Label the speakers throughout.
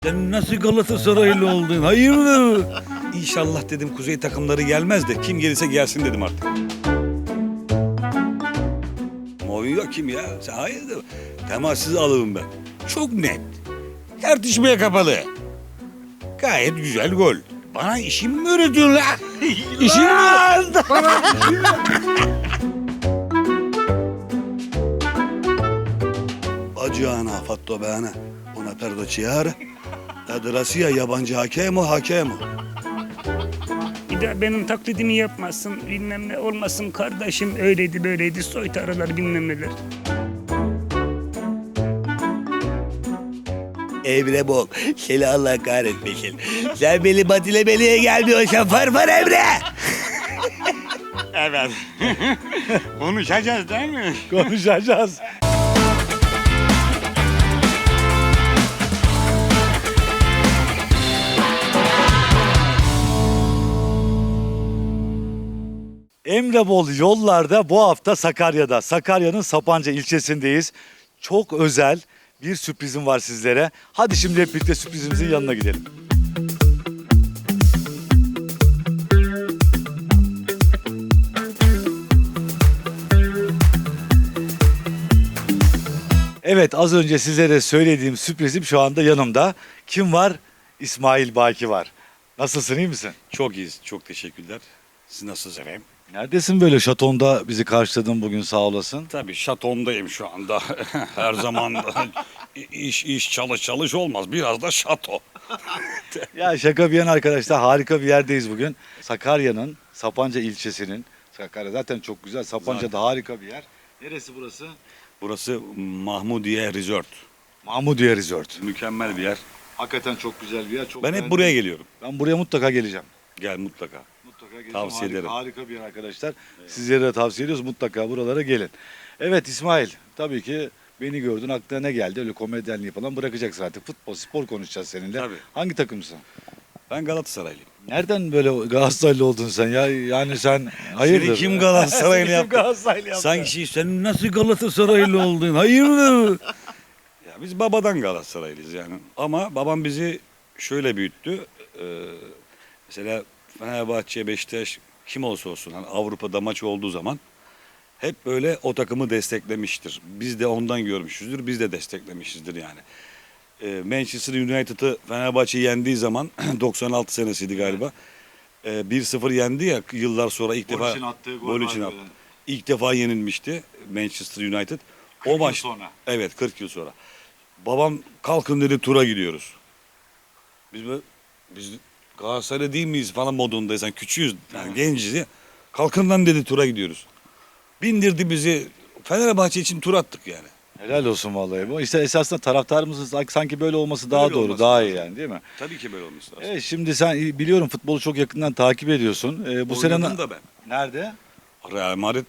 Speaker 1: Sen nasıl Galatasaraylı oldun? Hayırdır? İnşallah dedim kuzey takımları gelmez de kim gelirse gelsin dedim artık. Mourinho kim ya? Sen hayırdır? Temassız alırım ben. Çok net. Tartışmaya kapalı. Gayet güzel gol. Bana işimi mi öğretiyorsun la? İşimi mi öğretiyorsun? Bana işimi mi? Bacağına fatto bana. Una perdo ciara. Adrasiya yabancı hakem o hakem o.
Speaker 2: Bir de benim taklidimi yapmasın, bilmem ne olmasın kardeşim öyleydi böyleydi soytarılar bilmem neler.
Speaker 1: Emre Bol, seni Allah kahretmesin. Sen beni batilemeliğe gelmiyorsan farfar Emre.
Speaker 2: Evet. Konuşacağız değil mi?
Speaker 1: Konuşacağız.
Speaker 3: Emre Bol yollarda bu hafta Sakarya'da. Sakarya'nın Sapanca ilçesindeyiz. Çok özel bir sürprizim var sizlere. Hadi şimdi hep birlikte sürprizimizin yanına gidelim. Evet, az önce sizlere söylediğim sürprizim şu anda yanımda. Kim var? İsmail Baki var. Nasılsın, iyi misin?
Speaker 1: Çok iyiyiz, çok teşekkürler. Siz nasılsınız efendim?
Speaker 3: Neredesin böyle şatonda bizi karşıladın bugün, sağ olasın.
Speaker 1: Tabii şatondayım şu anda. Her zaman iş çalış olmaz. Biraz da şato.
Speaker 3: Ya şaka bir yana arkadaşlar, harika bir yerdeyiz bugün. Sakarya'nın Sapanca ilçesinin, Sakarya zaten çok güzel, Sapanca da harika bir yer. Neresi burası?
Speaker 1: Burası Mahmudiye Resort.
Speaker 3: Mahmudiye Resort.
Speaker 1: Mükemmel bir yer.
Speaker 3: Hakikaten çok güzel bir yer. Çok
Speaker 1: Ben hep
Speaker 3: beğendim.
Speaker 1: buraya geliyorum.
Speaker 3: Ben buraya mutlaka geleceğim.
Speaker 1: Gel mutlaka.
Speaker 3: Mutlaka geleceğim.
Speaker 1: Tavsiye
Speaker 3: Harika,
Speaker 1: ederim.
Speaker 3: harika bir yer arkadaşlar. Sizlere de tavsiye ediyoruz. Mutlaka buralara gelin. Evet İsmail, tabii ki beni gördün, aklına ne geldi? Öyle komedyenliği falan bırakacaksın artık. Futbol, spor konuşacağız seninle.
Speaker 1: Tabii.
Speaker 3: Hangi takımsın?
Speaker 1: Ben Galatasaraylıyım.
Speaker 3: Nereden böyle Galatasaraylı oldun sen ya? Yani sen hayırdır?
Speaker 1: Seni kim Galatasaraylı
Speaker 3: Seni kim
Speaker 1: yaptı?
Speaker 3: Galatasaraylı yaptı?
Speaker 1: Sanki sen nasıl Galatasaraylı oldun? Hayırdır? Ya biz babadan Galatasaraylıyız yani. Ama babam bizi şöyle büyüttü. Mesela Fenerbahçe, Beşiktaş kim olsa olsun hani Avrupa'da maç olduğu zaman hep böyle o takımı desteklemiştir. Biz de ondan görmüşüzdür. Biz de desteklemişizdir yani. Manchester United'ı Fenerbahçe yendiği zaman 96 senesiydi galiba. 1-0 yendi ya yıllar sonra ilk
Speaker 3: Gol
Speaker 1: defa
Speaker 3: için attığı gol
Speaker 1: gol
Speaker 3: var
Speaker 1: için
Speaker 3: böyle.
Speaker 1: attı. İlk defa yenilmişti Manchester United.
Speaker 3: 40 yıl
Speaker 1: O maç
Speaker 3: sonra.
Speaker 1: Evet, 40 yıl sonra. Babam kalkın dedi, tura gidiyoruz. Biz Galatasaraylı değil miyiz falan modundayız. Yani küçüğüz, yani genciz ya. Kalkın lan dedi, tura gidiyoruz. Bindirdi bizi. Fenerbahçe için tur attık yani.
Speaker 3: Helal olsun vallahi bu. İşte esasında taraftarımızın sanki böyle olması daha
Speaker 1: Böyle
Speaker 3: doğru,
Speaker 1: olması
Speaker 3: daha
Speaker 1: lazım.
Speaker 3: iyi yani, değil mi?
Speaker 1: Tabii ki böyle olması lazım.
Speaker 3: Evet, şimdi sen biliyorum futbolu çok yakından takip ediyorsun. Bu sene
Speaker 1: Oynadım da ben.
Speaker 3: nerede?
Speaker 1: Real Madrid.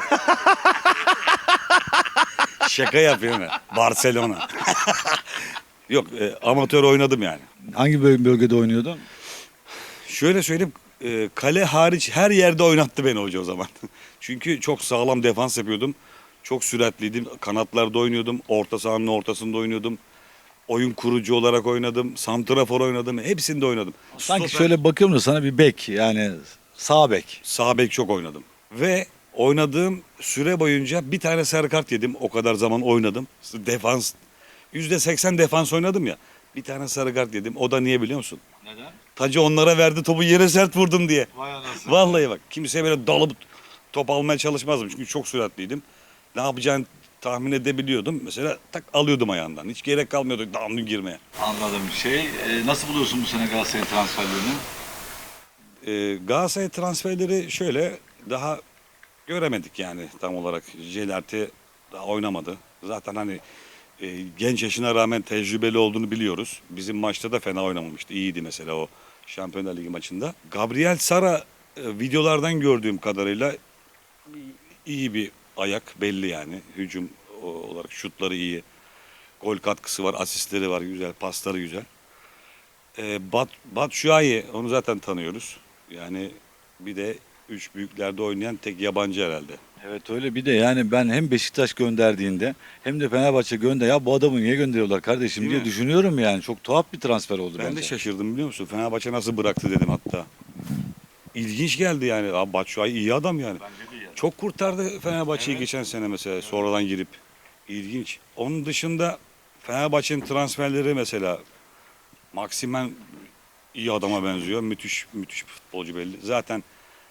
Speaker 1: Şaka yapıyorum ya. Barcelona. Yok, amatör oynadım yani.
Speaker 3: Hangi bölgede oynuyordun?
Speaker 1: Şöyle söyleyeyim, kale hariç her yerde oynattı beni hoca o zaman. Çünkü çok sağlam defans yapıyordum. Çok süratliydim. Kanatlarda oynuyordum. Orta sahanın ortasında oynuyordum. Oyun kurucu olarak oynadım. Santrafor oynadım. Hepsinde oynadım.
Speaker 3: Sanki
Speaker 1: Stoper,
Speaker 3: şöyle bakıyorum da sana bir bek, yani sağ bek.
Speaker 1: sağ bek çok oynadım. Ve oynadığım süre boyunca bir tane sarı kart yedim. O kadar zaman oynadım. Defans, %80 defans oynadım ya. Bir tane sarı kart yedim. O da niye biliyor musun?
Speaker 3: Neden?
Speaker 1: Tacı onlara verdi, topu yere sert vurdum diye.
Speaker 3: Vay anasını.
Speaker 1: Vallahi bak, kimseye böyle dalıp top almaya çalışmazdım. Çünkü çok süratliydim. Ne yapacağını tahmin edebiliyordum. Mesela tak alıyordum ayağından. Hiç gerek kalmıyordu damlı girmeye.
Speaker 3: Anladım. Nasıl buluyorsun bu sene Galatasaray transferlerini?
Speaker 1: Galatasaray transferleri şöyle, daha göremedik yani tam olarak. Jelerti daha oynamadı. Zaten hani genç yaşına rağmen tecrübeli olduğunu biliyoruz. Bizim maçta da fena oynamamıştı. İyiydi mesela o Şampiyonlar Ligi maçında. Gabriel Sara videolardan gördüğüm kadarıyla iyi bir ayak, belli yani. Hücum olarak şutları iyi. Gol katkısı var, asistleri var, güzel, pasları güzel. Batshuayi, onu zaten tanıyoruz. Yani bir de üç büyüklerde oynayan tek yabancı herhalde.
Speaker 3: Evet öyle, bir de yani ben hem Beşiktaş gönderdiğinde hem de Fenerbahçe ya bu adamı niye gönderiyorlar kardeşim
Speaker 1: Değil
Speaker 3: diye
Speaker 1: mi?
Speaker 3: düşünüyorum yani. Çok tuhaf bir transfer oldu
Speaker 1: Ben
Speaker 3: bence.
Speaker 1: de şaşırdım biliyor musun? Fenerbahçe nasıl bıraktı dedim hatta. İlginç geldi yani. Abi Batshuayi iyi adam yani.
Speaker 3: Bence de yani.
Speaker 1: Çok kurtardı Fenerbahçe'yi
Speaker 3: Evet.
Speaker 1: geçen sene mesela sonradan girip. İlginç. Onun dışında Fenerbahçe'nin transferleri mesela Maximen iyi adama benziyor. Müthiş müthiş bir futbolcu belli. Zaten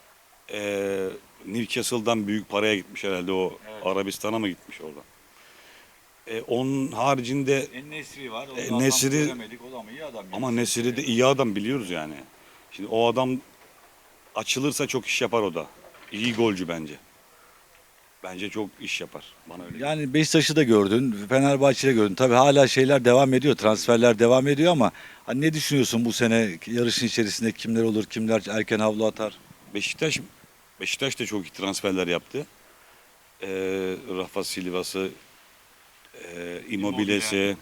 Speaker 1: Newcastle'dan büyük paraya gitmiş herhalde o.
Speaker 3: Evet.
Speaker 1: Arabistan'a mı gitmiş oradan? Onun haricinde
Speaker 3: En-Nesyri var.
Speaker 1: Nesri-
Speaker 3: göremedik. O da ama iyi adam.
Speaker 1: ama Nesiri de iyi adam biliyoruz yani. Şimdi o adam açılırsa çok iş yapar o da. İyi golcü bence. Bence çok iş yapar. Bana öyle geliyor.
Speaker 3: Yani Beşiktaş'ı da gördün, Fenerbahçe'yi gördün. Tabii hala şeyler devam ediyor, transferler devam ediyor ama hani ne düşünüyorsun bu sene yarışın içerisinde kimler olur, kimler erken havlu atar?
Speaker 1: Beşiktaş Beşiktaş da çok iyi transferler yaptı. Rafa Silva'sı, Immobile'si,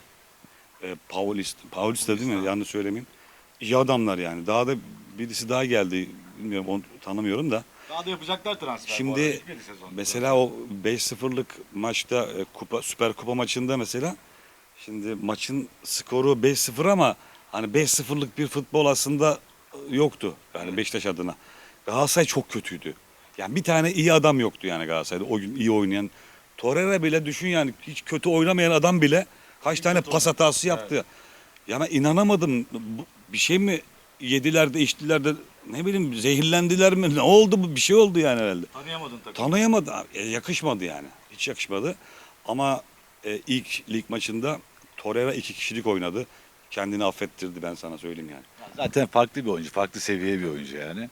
Speaker 1: Paulista değil mi? Yanlış söylemeyeyim. İyi adamlar yani. Daha da birisi daha geldi. Bilmiyorum onu tanımıyorum da.
Speaker 3: Daha da yapacaklar transfer.
Speaker 1: Şimdi mesela o 5-0'lık maçta Süper Kupa maçında mesela şimdi maçın skoru 5-0 ama hani 5-0'lık bir futbol aslında yoktu. Yani Beşiktaş adına. Galatasaray çok kötüydü. Yani bir tane iyi adam yoktu yani Galatasaray'da o gün iyi oynayan. Torreira bile düşün yani hiç kötü oynamayan adam bile kaç tane pas hatası yaptı. Ya ben inanamadım. Bir şey mi yediler de içtiler de ne bileyim zehirlendiler mi? Ne oldu bu? Bir şey oldu yani herhalde.
Speaker 3: Tanıyamadın tabii.
Speaker 1: Tanıyamadı. Yakışmadı yani. Hiç yakışmadı. Ama ilk lig maçında Torreira 2 kişilik oynadı. Kendini affettirdi ben sana söyleyeyim yani.
Speaker 3: Zaten farklı bir oyuncu, farklı seviye bir oyuncu yani.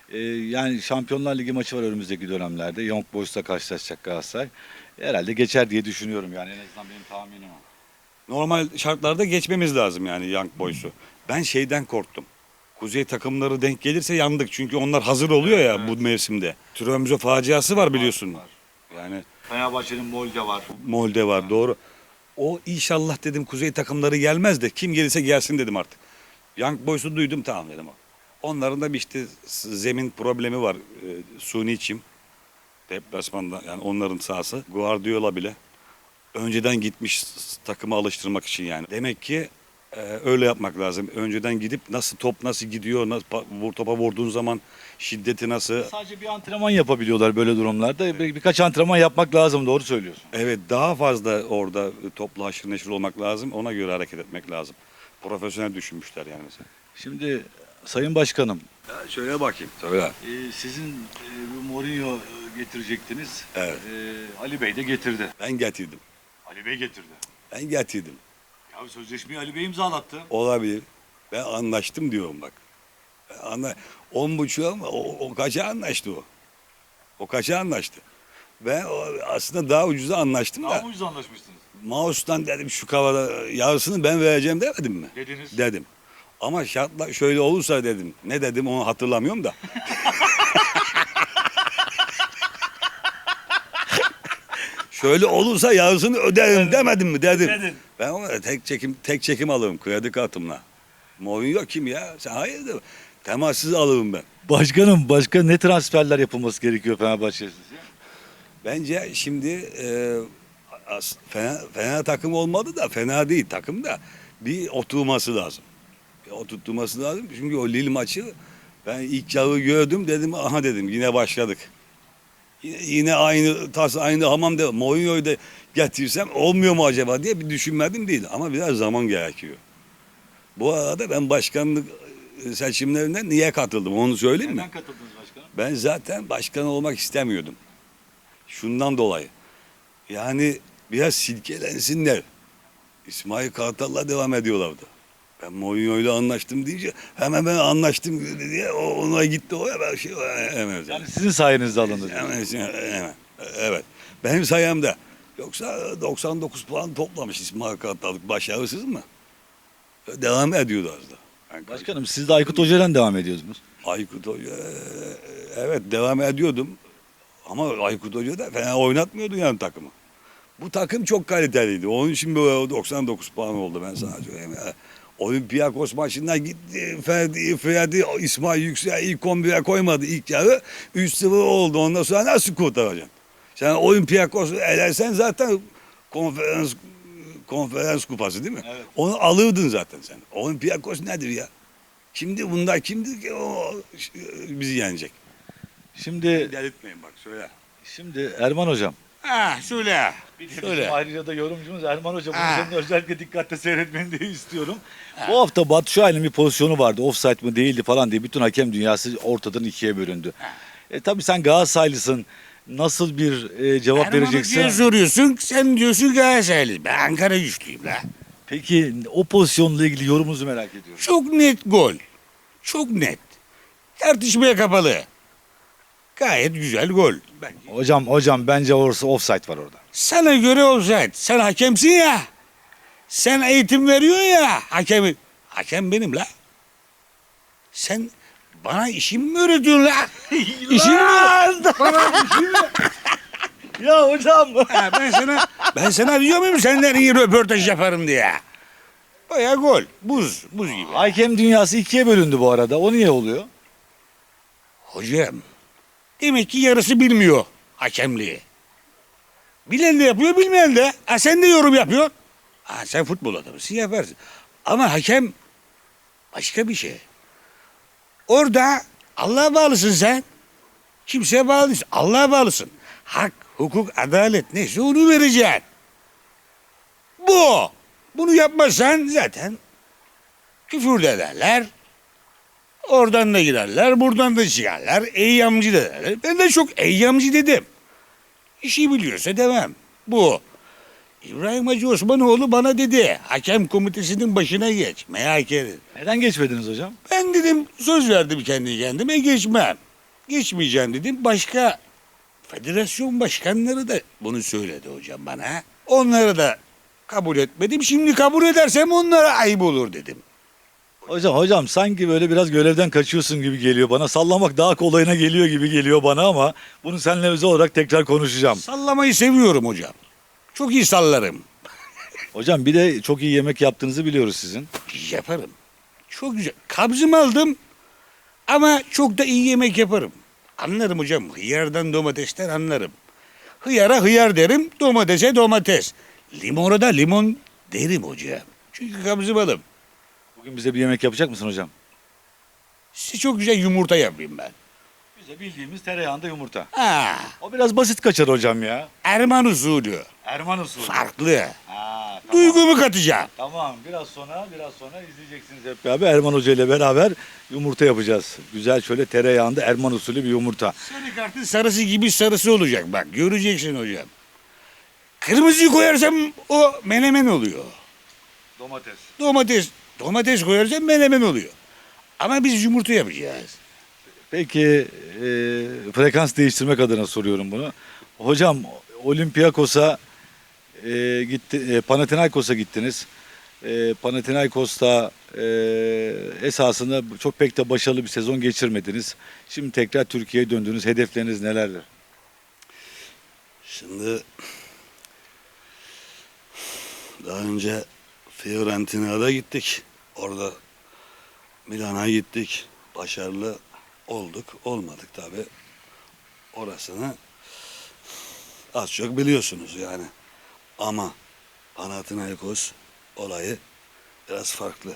Speaker 3: Yani Şampiyonlar Ligi maçı var önümüzdeki dönemlerde. Young Boys'la karşılaşacak Galatasaray. Herhalde geçer diye düşünüyorum yani, en azından benim tahminim o.
Speaker 1: Normal şartlarda geçmemiz lazım yani Young Boys'u. Ben şeyden korktum. Kuzey takımları denk gelirse yandık. Çünkü onlar hazır oluyor ya bu mevsimde. Tromsø faciası var biliyorsun. Yani
Speaker 3: Fenerbahçe'nin Molde var.
Speaker 1: Molde var doğru. O inşallah dedim kuzey takımları gelmez de kim gelirse gelsin dedim artık. Young Boys'u duydum tamam dedim. Onların da bir işte zemin problemi var. Suni çim. Deplasmanda yani onların sahası. Guardiola bile önceden gitmiş takımı alıştırmak için yani. Demek ki öyle yapmak lazım. Önceden gidip nasıl top nasıl gidiyor, nasıl topa vurduğun zaman şiddeti nasıl.
Speaker 3: Sadece bir antrenman yapabiliyorlar böyle durumlarda. Birkaç antrenman yapmak lazım, doğru söylüyorsun.
Speaker 1: Evet daha fazla orada topla haşır neşir olmak lazım. Ona göre hareket etmek lazım. Profesyonel düşünmüşler yani mesela.
Speaker 3: Şimdi Sayın Başkanım,
Speaker 1: Şöyle bakayım. Söyle.
Speaker 3: sizin bu Mourinho getirecektiniz.
Speaker 1: Evet.
Speaker 3: Ali Bey de getirdi.
Speaker 1: Ben getirdim.
Speaker 3: Ali Bey getirdi.
Speaker 1: Ben getirdim.
Speaker 3: Ya sözleşmeyi Ali Bey imzalattı.
Speaker 1: Olabilir. Ben anlaştım diyorum bak. Ben 10,5 ama o kaça anlaştı o? O kaça anlaştı? Ben aslında daha ucuza anlaştım da.
Speaker 3: ucuz anlaşmışsınız?
Speaker 1: Mouse'dan dedim şu kavada yarısını ben vereceğim demedim mi?
Speaker 3: Dediniz.
Speaker 1: Dedim. Ama şartla şöyle olursa dedim. Ne dedim onu hatırlamıyorum da. Şöyle olursa yarısını öderim demedim mi dedim.
Speaker 3: Dedin.
Speaker 1: Ben ona tek çekim alırım kredi kartımla. Mourinho kim ya? Sen hayırdır? Temassız alırım ben.
Speaker 3: Başkanım, başka ne transferler yapılması gerekiyor Fenerbahçe'ye sizce?
Speaker 1: Bence şimdi fena takım olmadı da fena değil takım da bir oturması lazım. Bir oturtması lazım. Çünkü o Lille maçı ben ilk yarı gördüm dedim aha dedim yine başladık. Yine aynı tas aynı hamam dedim. Mourinho'yu da getirsem olmuyor mu acaba diye bir düşünmedim değil ama biraz zaman gerekiyor. Bu arada ben başkanlık seçimlerine niye katıldım onu söyleyeyim mi?
Speaker 3: Neden katıldınız başkanım?
Speaker 1: Ben zaten başkan olmak istemiyordum. Şundan dolayı. Yani biraz silkelensinler. İsmail Kartal'la devam ediyorlardı. Ben Mourinho'yla anlaştım deyince hemen ben anlaştım diye ona gitti o ya ben şey hemen.
Speaker 3: Yani sizin sayenizde alındı.
Speaker 1: Hemen. Evet. Benim sayemde. Yoksa 99 puan toplamış İsmail Kartal. Başarısız mı? Devam ediyordu az da. Yani
Speaker 3: Başkanım, siz de Aykut Hoca'dan devam ediyorsunuz.
Speaker 1: Aykut Hoca evet devam ediyordum. Ama Aykut Hoca da fena oynatmıyordu yani takımı. Bu takım çok kaliteliydi. Onun için böyle 99 puan oldu ben sana söyleyeyim. Ya. Olympiakos maçından gitti. Ferdi İsmail Yüksel ilk 11'e koymadı ilk yarı. 3-0 oldu. Ondan sonra nasıl kurtaracaksın? Sen Olympiakos elersen zaten konferans kupası değil mi?
Speaker 3: Evet.
Speaker 1: Onu alırdın zaten sen. Olympiakos nedir ya? Kimdi bunlar? Kimdi ki o bizi yenecek?
Speaker 3: Şimdi
Speaker 1: Delirtmeyin bak söyle.
Speaker 3: Erman hocam.
Speaker 1: Ha söyle. Söyle.
Speaker 3: Ayrıca da yorumcumuz Erman Hoca. Bunu
Speaker 1: Ha.
Speaker 3: senin özellikle dikkatle seyretmeni diye istiyorum. Bu hafta Batu Şahin'in bir pozisyonu vardı. Offside mı değildi falan diye bütün hakem dünyası ortadan ikiye bölündü. Tabii sen Galatasaraylısın. Nasıl bir cevap vereceksin?
Speaker 1: Erman'a soruyorsun. Sen diyorsun Galatasaraylı. Ben Ankara güçlüyüm la.
Speaker 3: Peki o pozisyonla ilgili yorumunuzu merak ediyorum.
Speaker 1: Çok net gol. Çok net. Tartışmaya kapalı. Gayet güzel gol.
Speaker 3: Hocam bence orası offside var orada.
Speaker 1: Sana göre offside. Sen hakemsin ya. Sen eğitim veriyorsun ya hakemi. Hakem benim la. Sen bana işimi mi öğretiyorsun la? İşimi mi? Bana işimi mi?
Speaker 3: Ya hocam.
Speaker 1: Ha, ben sana diyor muyum senden iyi röportaj yaparım diye. Baya gol. Buz gibi.
Speaker 3: Hakem dünyası ikiye bölündü bu arada. O niye oluyor?
Speaker 1: Hocam demek ki yarısı bilmiyor hakemliği. Bilen de yapıyor bilmeyen de. Ha, sen de yorum yapıyorsun. Ha, sen futbol adamısın yaparsın. Ama hakem başka bir şey. Orada Allah'a bağlısın sen. Kimseye bağlı değilsin. Allah'a bağlısın. Hak, hukuk, adalet neyse onu vereceksin. Bu. Bunu yapmazsan zaten küfür de ederler. Oradan da girerler, buradan da çıkarlar. Eyyamcı da derler. Ben de çok eyyamcı dedim. İşi biliyorsa devam. Bu. İbrahim Hacı Osmanoğlu bana dedi. Hakem komitesinin başına geç. Merak edin.
Speaker 3: Neden geçmediniz hocam?
Speaker 1: Ben dedim söz verdim kendi kendime geçmem. Geçmeyeceğim dedim. Başka federasyon başkanları da bunu söyledi hocam bana. Onları da kabul etmedim. Şimdi kabul edersem onlara ayıp olur dedim.
Speaker 3: Hocam sanki böyle biraz görevden kaçıyorsun gibi geliyor bana. Sallamak daha kolayına geliyor gibi geliyor bana ama bunu seninle özel olarak tekrar konuşacağım.
Speaker 1: Sallamayı seviyorum hocam. Çok iyi sallarım.
Speaker 3: Hocam bir de çok iyi yemek yaptığınızı biliyoruz sizin.
Speaker 1: Yaparım. Çok güzel. Kabzımı aldım ama çok da iyi yemek yaparım. Anlarım hocam. Hıyardan domatesten anlarım. Hıyara hıyar derim, domatese domates. Limona da limon derim hocam. Çünkü kabzımalım.
Speaker 3: Bugün bize bir yemek yapacak mısın hocam?
Speaker 1: Size çok güzel yumurta yapayım ben.
Speaker 3: Bize bildiğimiz tereyağında yumurta.
Speaker 1: Ha,
Speaker 3: O biraz basit kaçar hocam ya.
Speaker 1: Erman usulü.
Speaker 3: Erman usulü.
Speaker 1: Farklı.
Speaker 3: Ha, tamam.
Speaker 1: Duygumu katacağım.
Speaker 3: Tamam biraz sonra izleyeceksiniz hep beraber. Erman Hoca ile beraber yumurta yapacağız. Güzel şöyle tereyağında Erman usulü bir yumurta.
Speaker 1: Sarı kartın sarısı gibi sarısı olacak bak. Göreceksin hocam. Kırmızıyı koyarsam o menemen oluyor.
Speaker 3: Domates.
Speaker 1: Domates koyarsam menemen oluyor. Ama biz yumurta yapacağız.
Speaker 3: Peki frekans değiştirmek adına soruyorum bunu. Hocam Olympiakos'a Panathinaikos'a gittiniz. Panathinaikos'ta esasında çok pek de başarılı bir sezon geçirmediniz. Şimdi tekrar Türkiye'ye döndünüz. Hedefleriniz nelerdir?
Speaker 1: Şimdi daha önce Fiorentina'da gittik. Orada Milan'a gittik. Başarılı olduk. Olmadık tabi. Orasını az çok biliyorsunuz yani. Ama Panathinaikos olayı biraz farklı.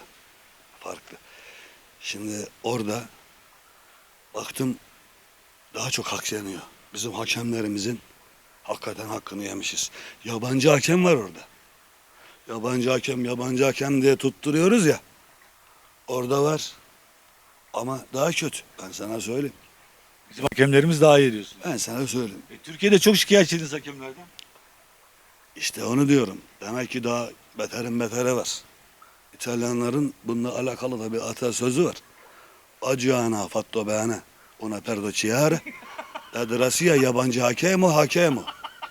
Speaker 1: Şimdi orada baktım daha çok hak yeniyor. Bizim hakemlerimizin hakikaten hakkını yemişiz. Yabancı hakem var orada. Yabancı hakem diye tutturuyoruz ya. Orada var. Ama daha kötü. Ben sana söyleyeyim.
Speaker 3: Bizim hakemlerimiz daha iyi diyorsun.
Speaker 1: Ben sana söyleyeyim.
Speaker 3: Türkiye'de çok şikayetçiydiniz hakemlerden.
Speaker 1: İşte onu diyorum. Demek ki daha beterin beteri var. İtalyanların bununla alakalı da bir atasözü var. Acıana fatto bene una perdo ciare. Dedrasiya yabancı hakemo.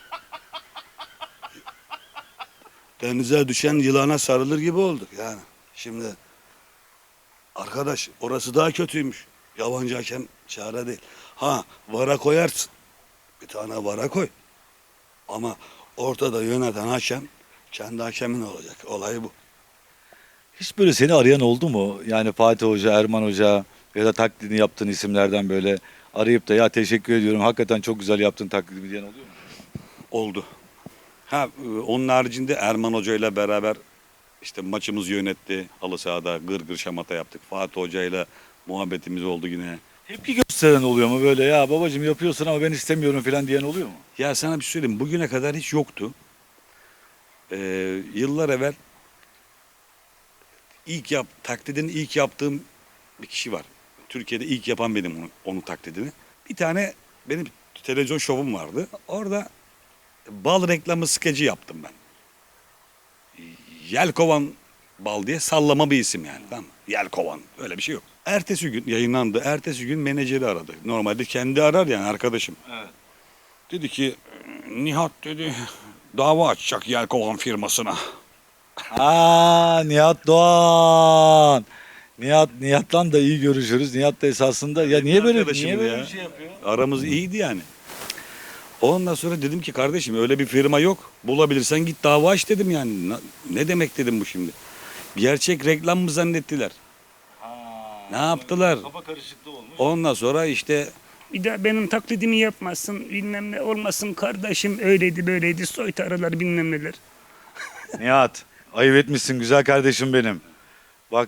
Speaker 1: Denize düşen yılana sarılır gibi olduk yani. Şimdi arkadaş orası daha kötüymüş. Yabancı hakem çare değil. Ha vara koyarsın. Bir tane vara koy. Ama ortada yöneten hakem kendi hakemin olacak. Olay bu.
Speaker 3: Hiç böyle seni arayan oldu mu? Yani Fatih Hoca, Erman Hoca ya da taklidini yaptığın isimlerden böyle arayıp da ya teşekkür ediyorum hakikaten çok güzel yaptın taklidimi diyen oluyor mu?
Speaker 1: Oldu. Onun haricinde Erman Hoca ile beraber işte maçımızı yönetti. Halı sahada gır gır şamata yaptık. Fatih Hoca ile muhabbetimiz oldu yine.
Speaker 3: Tepki gösteren oluyor mu böyle, ya babacığım yapıyorsun ama ben istemiyorum falan diyen oluyor mu?
Speaker 1: Ya sana bir şey söyleyeyim. Bugüne kadar hiç yoktu. Yıllar evvel taklidini ilk yaptığım bir kişi var. Türkiye'de ilk yapan benim onun taklidini. Bir tane benim televizyon şovum vardı. Orada bal reklamı skeci yaptım ben. Yelkovan bal diye sallama bir isim yani, tamam mı? Yelkovan, öyle bir şey yok. Ertesi gün yayınlandı. Ertesi gün menajeri aradı. Normalde kendi arar yani, arkadaşım.
Speaker 3: Evet.
Speaker 1: Dedi ki Nihat dedi dava açacak Yelkovan firmasına.
Speaker 3: Nihat Doğan. Nihat'la da iyi görüşürüz. Nihat da esasında ya niye böyle
Speaker 1: Arkadaşımdı ya.
Speaker 3: bir şey yapıyor?
Speaker 1: Aramız iyiydi yani. Ondan sonra dedim ki kardeşim öyle bir firma yok. Bulabilirsen git dava aç dedim yani. Ne demek dedim bu şimdi. Gerçek reklam mı zannettiler? Ne yaptılar?
Speaker 3: Kafa karışıklığı olmuş.
Speaker 1: Ondan sonra işte
Speaker 2: Bir daha benim taklidimi yapmasın, bilmem ne olmasın kardeşim, öyleydi böyleydi, soytarılar bilmem neler.
Speaker 3: Nihat, ayıp etmişsin güzel kardeşim benim. Bak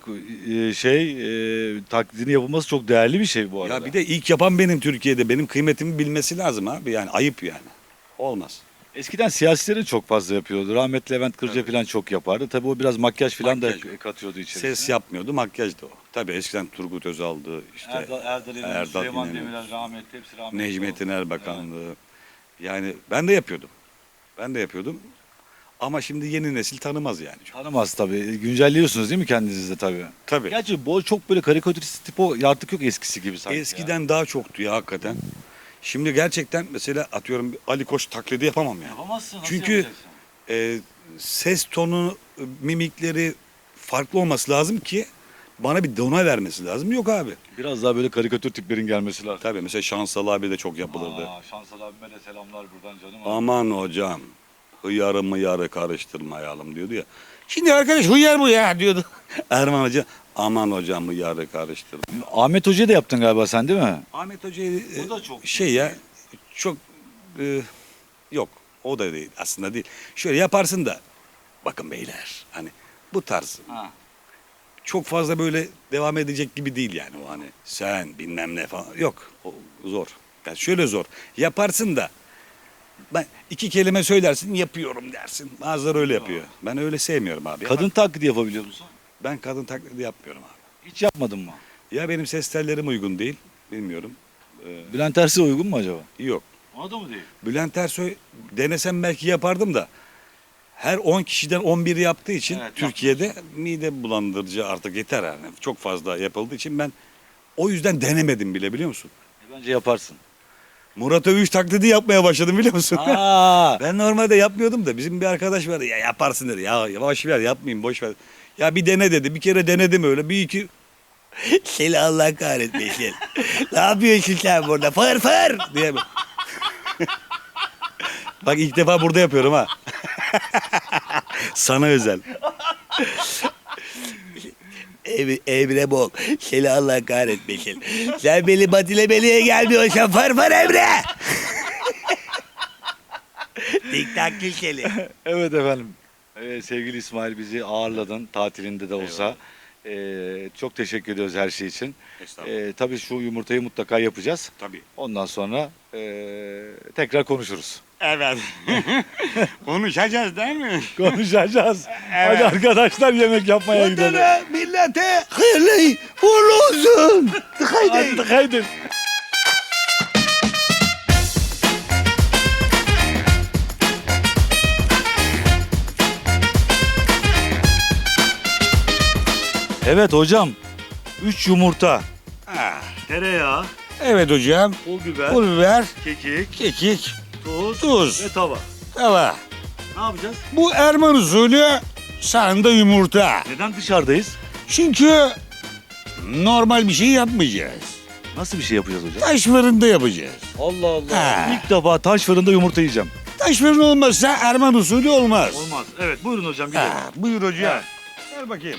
Speaker 3: taklidini yapılması çok değerli bir şey bu arada.
Speaker 1: ya bir de ilk yapan benim Türkiye'de. Benim kıymetimi bilmesi lazım abi. Yani ayıp yani. Olmaz.
Speaker 3: Eskiden siyasilerin çok fazla yapıyordu. Rahmetli Levent Kırca falan çok yapardı. Tabii o biraz makyaj falan
Speaker 1: Makyaj.
Speaker 3: da katıyordu içerisine.
Speaker 1: Ses yapmıyordu, makyajdı o. Tabii eskiden Turgut Özal'dı, işte
Speaker 3: Erdal İnanır,
Speaker 1: Erdal
Speaker 3: Süleyman
Speaker 1: İnanır,
Speaker 3: Demirel rahmetli, hepsi rahmetli.
Speaker 1: Necmettin
Speaker 3: oldu.
Speaker 1: Erbakan'dı. Yani ben de yapıyordum. Ben de yapıyordum. Ama şimdi yeni nesil tanımaz yani.
Speaker 3: Tanımaz tabii. Güncelliyorsunuz değil mi kendinizi de tabii?
Speaker 1: Tabii.
Speaker 3: Gerçi bu çok böyle karikatürist tip o artık yok eskisi gibi sanki.
Speaker 1: Eskiden daha çoktu ya hakikaten. Şimdi gerçekten mesela atıyorum Ali Koç taklidi yapamam yani.
Speaker 3: Yapamazsın. Nasıl
Speaker 1: Çünkü
Speaker 3: yapacaksın?
Speaker 1: ses tonu, mimikleri farklı olması lazım ki bana bir dona vermesi lazım. Yok abi.
Speaker 3: Biraz daha böyle karikatür tiplerin gelmesi lazım.
Speaker 1: Tabii mesela Şansal abi de çok yapılırdı.
Speaker 3: Şansal abime de selamlar buradan canım.
Speaker 1: Aman hocam hıyarı mıyarı karıştırmayalım diyordu ya. Şimdi arkadaş hıyar bu ya diyordu. Erman Hoca aman hocam hıyarı karıştırma.
Speaker 3: Ahmet Hoca'yı da yaptın galiba sen değil mi?
Speaker 1: Ahmet Hoca'yı
Speaker 3: O da çok
Speaker 1: şey ya çok yok o da değil aslında değil. Şöyle yaparsın da bakın beyler hani bu tarz çok fazla böyle devam edecek gibi değil yani o hani sen bilmem ne falan yok o zor. Yani şöyle zor yaparsın da ben iki kelime söylersin yapıyorum dersin. Bazıları öyle yapıyor. Ben öyle sevmiyorum abi.
Speaker 3: Kadın taklidi yapabiliyor musun?
Speaker 1: Ben kadın taklidi yapmıyorum abi.
Speaker 3: Hiç yapmadın mı?
Speaker 1: Ya benim ses tellerim uygun değil. Bilmiyorum.
Speaker 3: Bülent Ersoy uygun mu acaba?
Speaker 1: Yok.
Speaker 3: Ona da mı değil?
Speaker 1: Bülent Ersoy denesem belki yapardım da her 10 kişiden 11 yaptığı için
Speaker 3: Evet,
Speaker 1: Türkiye'de mide bulandırıcı artık yeter yani. Çok fazla yapıldığı için ben o yüzden denemedim bile biliyor musun?
Speaker 3: Bence yaparsın.
Speaker 1: Murat Övüş taklidi yapmaya başladım biliyor musun?
Speaker 3: Aa,
Speaker 1: Ben normalde yapmıyordum da bizim bir arkadaş vardı ya yaparsın dedi. Ya yavaş ver yapmayayım boş ver. Ya bir dene dedi. Bir kere denedim öyle. Bir iki seni Allah kahretmesin. Ne yapıyorsun sen burada? Fır fır diye. Bak ilk defa burada yapıyorum ha. Sana özel. Emre Bol. Seni Allah kahretmesin. Sen beni batilemeliye gelmiyorsan fır fır Emre. Tik tak seni.
Speaker 3: evet efendim. Sevgili İsmail bizi ağırladın tatilinde de olsa. Çok teşekkür ediyoruz her şey için. Tabii şu yumurtayı mutlaka yapacağız.
Speaker 1: Tabii.
Speaker 3: Ondan sonra tekrar konuşuruz.
Speaker 1: Evet. Konuşacağız değil mi?
Speaker 3: Konuşacağız. Hadi arkadaşlar yemek yapmaya gidelim.
Speaker 1: Vatana, millete hayırlı uğurlu olsun.
Speaker 3: Hadi haydi. Evet hocam. 3 yumurta, tereyağı,
Speaker 1: Evet hocam.
Speaker 3: pul biber,
Speaker 1: Pul biber,
Speaker 3: kekik,
Speaker 1: kekik,
Speaker 3: tuz ve tava.
Speaker 1: tava.
Speaker 3: Ne yapacağız?
Speaker 1: Bu Erman usulü sağında yumurta.
Speaker 3: Neden dışarıdayız?
Speaker 1: Çünkü normal bir şey yapmayacağız.
Speaker 3: Nasıl bir şey yapacağız hocam?
Speaker 1: Taş fırında yapacağız.
Speaker 3: Allah Allah.
Speaker 1: Ha.
Speaker 3: İlk defa taş fırında yumurta yiyeceğim.
Speaker 1: Taş fırın olmazsa Erman usulü olmaz.
Speaker 3: Olmaz. Evet buyurun hocam
Speaker 1: Buyur hocam.
Speaker 3: Evet.
Speaker 1: Ver bakayım.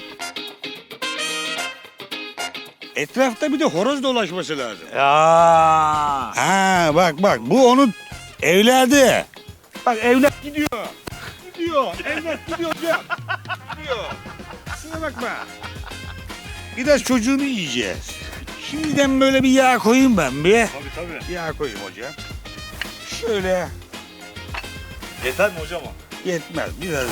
Speaker 1: Etrafta bir de horoz dolaşması lazım.
Speaker 3: Ya.
Speaker 1: Ha bak bu onun evladı. Bak evlat gidiyor. Gidiyor. Evlat gidiyor hocam. Gidiyor. Kusura bakma. Biraz çocuğunu yiyeceğiz. Şimdiden böyle bir yağ koyayım ben bir.
Speaker 3: Tabii.
Speaker 1: Yağ koyayım hocam. Şöyle
Speaker 3: Yeter mi hocam o?
Speaker 1: yetmez biraz.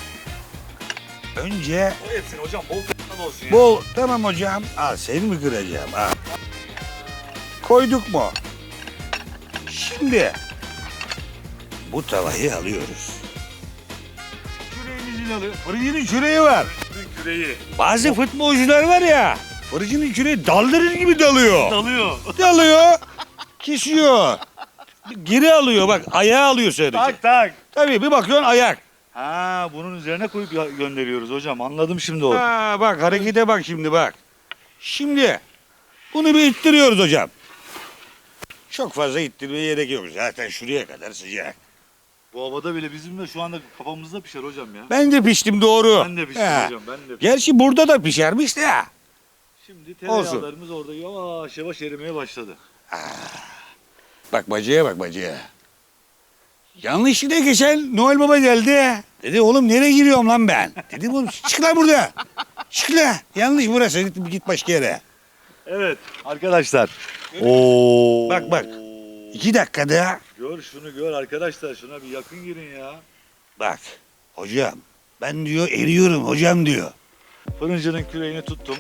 Speaker 1: Önce
Speaker 3: O yetsin hocam. Bol kıymalı olsun ya.
Speaker 1: bol tamam hocam. Al seni mi kıracağım? Al. Koyduk mu? Şimdi bu tavayı alıyoruz. Küreğimizin alıyor. Fırıncının küreği var.
Speaker 3: Küreği.
Speaker 1: Bazı futbolcular var ya. Fırıncının küreği daldırır gibi dalıyor.
Speaker 3: Dalıyor.
Speaker 1: Dalıyor. Kesiyor. Geri alıyor bak. Ayağı alıyor sadece.
Speaker 3: Tak.
Speaker 1: Tabii bir bakıyorsun ayak.
Speaker 3: Ha, bunun üzerine koyup gönderiyoruz hocam. Anladım şimdi o.
Speaker 1: Ha, bak harekete bak şimdi bak. Şimdi bunu bir ittiriyoruz hocam. Çok fazla ittirmeye gerek yok. Zaten şuraya kadar sıcak.
Speaker 3: Bu havada bile bizim de şu anda kafamızda pişer hocam ya.
Speaker 1: Ben de piştim doğru.
Speaker 3: Ben de piştim
Speaker 1: He.
Speaker 3: hocam. Ben de piştim.
Speaker 1: Gerçi burada da pişermiş de.
Speaker 3: Şimdi tereyağlarımız orada yavaş yavaş erimeye başladı.
Speaker 1: Bak bacıya bak bacıya. Yanlışlıkla geçen Noel Baba geldi. Dedi oğlum nereye giriyorum lan ben? Dedim oğlum çık lan burada. Çık lan. Yanlış burası. Git başka yere.
Speaker 3: Evet arkadaşlar. Oo.
Speaker 1: Bak. 2 dakikada.
Speaker 3: Gör şunu gör arkadaşlar. Şuna bir yakın girin ya.
Speaker 1: Bak hocam ben diyor eriyorum hocam diyor.
Speaker 3: Fırıncının küreğini tuttum.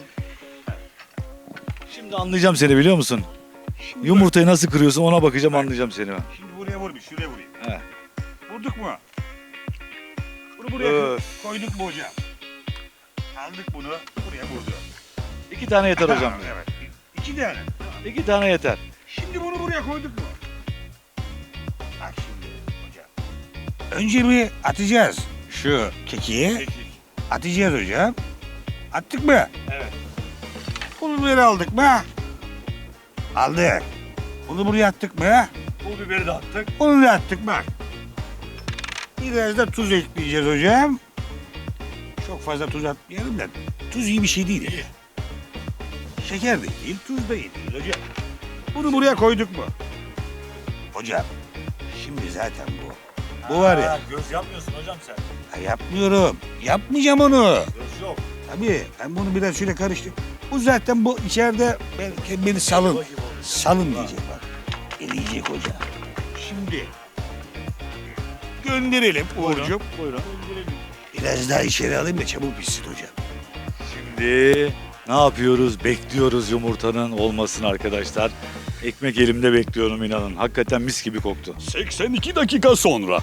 Speaker 3: Şimdi anlayacağım seni biliyor musun? Yumurtayı nasıl kırıyorsun ona bakacağım anlayacağım seni ben.
Speaker 1: Şimdi buraya vur bir şuraya vurayım.
Speaker 3: He.
Speaker 1: Vurduk mu? Bunu buraya
Speaker 3: Öf.
Speaker 1: koyduk mu hocam? Aldık bunu buraya vurduk.
Speaker 3: 2 tane yeter hocam.
Speaker 1: Evet. 2 tane.
Speaker 3: 2 tane yeter.
Speaker 1: Şimdi bunu buraya koyduk mu? Bak şimdi hocam. Önce bir atacağız şu kekiği. Atacağız hocam. Attık mı?
Speaker 3: Evet.
Speaker 1: Bunu buraya aldık mı? Aldık. Bunu buraya attık mı?
Speaker 3: Pul biberi de attık.
Speaker 1: Onu da attık bak. Biraz da tuz ekleyeceğiz hocam. Çok fazla tuz atmayalım da. Tuz iyi bir şey değil. Şeker de değil, tuz da iyi değil hocam. Bunu buraya koyduk mu? Hocam, şimdi zaten bu. Bu var ya.
Speaker 3: Göz yapmıyorsun hocam sen.
Speaker 1: Ha, yapmıyorum. Yapmayacağım onu.
Speaker 3: Göz yok.
Speaker 1: Tabii ben bunu biraz şöyle karıştır. Bu zaten bu içeride beni salın. Salın diyecek bak. Eleyecek hocam. Şimdi gönderelim Uğurcuğum.
Speaker 3: Buyurun.
Speaker 1: Biraz daha içeri alayım da çabuk pişsin hocam.
Speaker 3: Şimdi ne yapıyoruz? Bekliyoruz yumurtanın olmasını arkadaşlar. Ekmek elimde bekliyorum inanın. Hakikaten mis gibi koktu.
Speaker 1: 82 dakika sonra.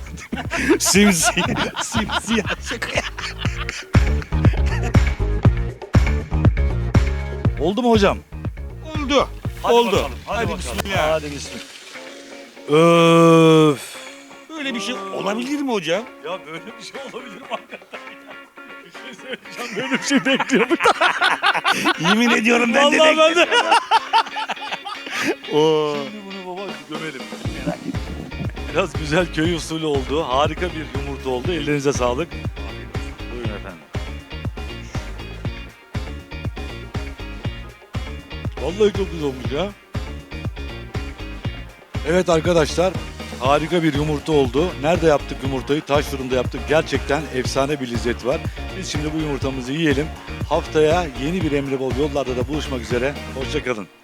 Speaker 1: Simsiyah şaka.
Speaker 3: Oldu mu hocam?
Speaker 1: Oldu.
Speaker 3: Hadi
Speaker 1: Oldu.
Speaker 3: bakalım,
Speaker 1: Hadi
Speaker 3: bakalım.
Speaker 1: bismillah.
Speaker 3: Hadi bismillah. Öf.
Speaker 1: Böyle bir şey olabilir mi hocam?
Speaker 3: Ya böyle bir şey olabilir mi hakikaten ya? Bir şey söyleyeceğim. Böyle bir şey bekliyorduk.
Speaker 1: Yemin ediyorum ben de
Speaker 3: Vallahi ben de.
Speaker 1: bekliyorum. Oo.
Speaker 3: Şimdi bunu baba gömelim. Biraz güzel köy usulü oldu. Harika bir yumurta oldu. Ellerinize sağlık. Buyurun efendim. Vallahi çok güzel olmuş ya. Evet arkadaşlar, harika bir yumurta oldu. Nerede yaptık yumurtayı? Taş fırında yaptık. Gerçekten efsane bir lezzet var. Biz şimdi bu yumurtamızı yiyelim. Haftaya yeni bir Emre Bol yollarda da buluşmak üzere. Hoşça kalın.